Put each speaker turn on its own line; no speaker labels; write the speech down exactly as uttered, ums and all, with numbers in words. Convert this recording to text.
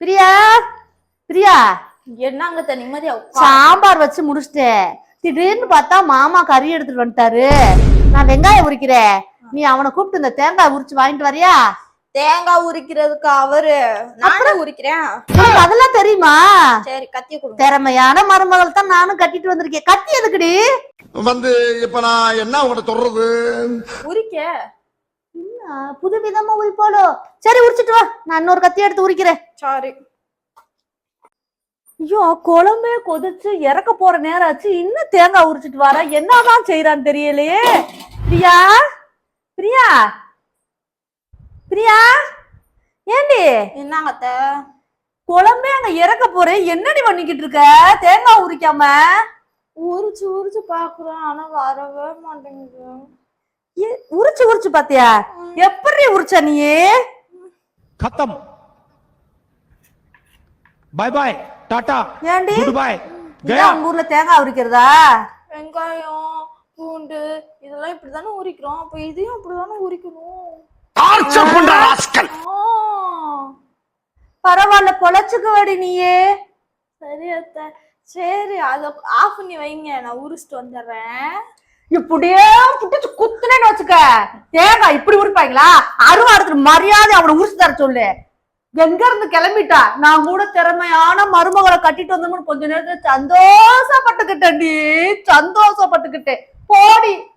பிரியா பிரியா
என்னங்க நிம்மதியா
சாம்பார் வச்சு முடிச்சிட்டேன். திடீர்னு பார்த்தா மாமா கறி எடுத்துட்டு வந்துட்டாரு. நான் வெங்காயம் உரிக்கிறேன், நீ அவனை கூப்பிட்டு இந்த தேங்காய் உரிச்சு வாங்கிட்டு வரியா?
தேங்காய் உரிக்கிறதுக்கு அவரு நானும் உரிக்கிறேன்.
அதெல்லாம் தெரியுமா?
சரி கத்திய கொடுங்க.
திறமையான மருமகள் தான் நானும் கட்டிட்டு வந்திருக்கேன். கத்தி எதுக்குடி
வந்து இப்ப நான் என்ன உங்களை சொல்றது?
உரிக்க
புது விதமா உரிப்பாளோ? சரி உரிச்சிட்டு வா, நான் இன்னொரு கத்தி எடுத்து உரிக்கிறேன்.
சாரி.
ஐயோ குழம்பே கொதிச்சு இறக்க போற நேரம் ஆச்சு, இன்னும் தேங்காய் உரிச்சிட்டு வர. என்னதான் செய்யறான்னு தெரியலையே. பிரியா பிரியா பிரியா ஏண்டி?
என்னங்க அத்தை?
குழம்பே அங்க இறக்க போறேன், என்னடி பண்ணிக்கிட்டு இருக்க? தேங்காய் உரிக்காம
உரிச்சு உரிச்சு பாக்குறேன், ஆனா வரவே மாட்டேங்குது.
உரிச்சு உரிச்சு பாத்தியா? எப்படி உரிச்ச நீ?
खत्म, बाय बाय, टाटा,
ஏண்டி
गुड बाय,
गया. உங்க ஊர்ல தேங்காய் உரிக்கிறதா?
வெங்காயம் பூண்டு இதெல்லாம் இப்படிதானே உரிக்கிறோம், அப்ப இதையும் அப்படிதானே உரிக்கணும்.
பரவாயில்ல, பொழைச்சுக்குவாடி நீயே.
சரி அத்தை, சரி அத ஆஃப் பண்ணி வைங்க, நான் உரிச்சிட்டு வந்துடுறேன்.
இப்படியே புடிச்சு குத்துனேன்னு வச்சுக்க, தேங்காய் இப்படி உரிப்பாங்களா? அருவா எடுத்துட்டு மரியாதை அவனை உரிச்சு தர சொல்லு. எங்க இருந்து கிளம்பிட்டா? நான் கூட திறமையான மருமகளை கட்டிட்டு வந்தோம்னு கொஞ்ச நேரத்துல சந்தோஷப்பட்டுக்கிட்டேன்டி, சந்தோஷப்பட்டுக்கிட்டேன். போடி.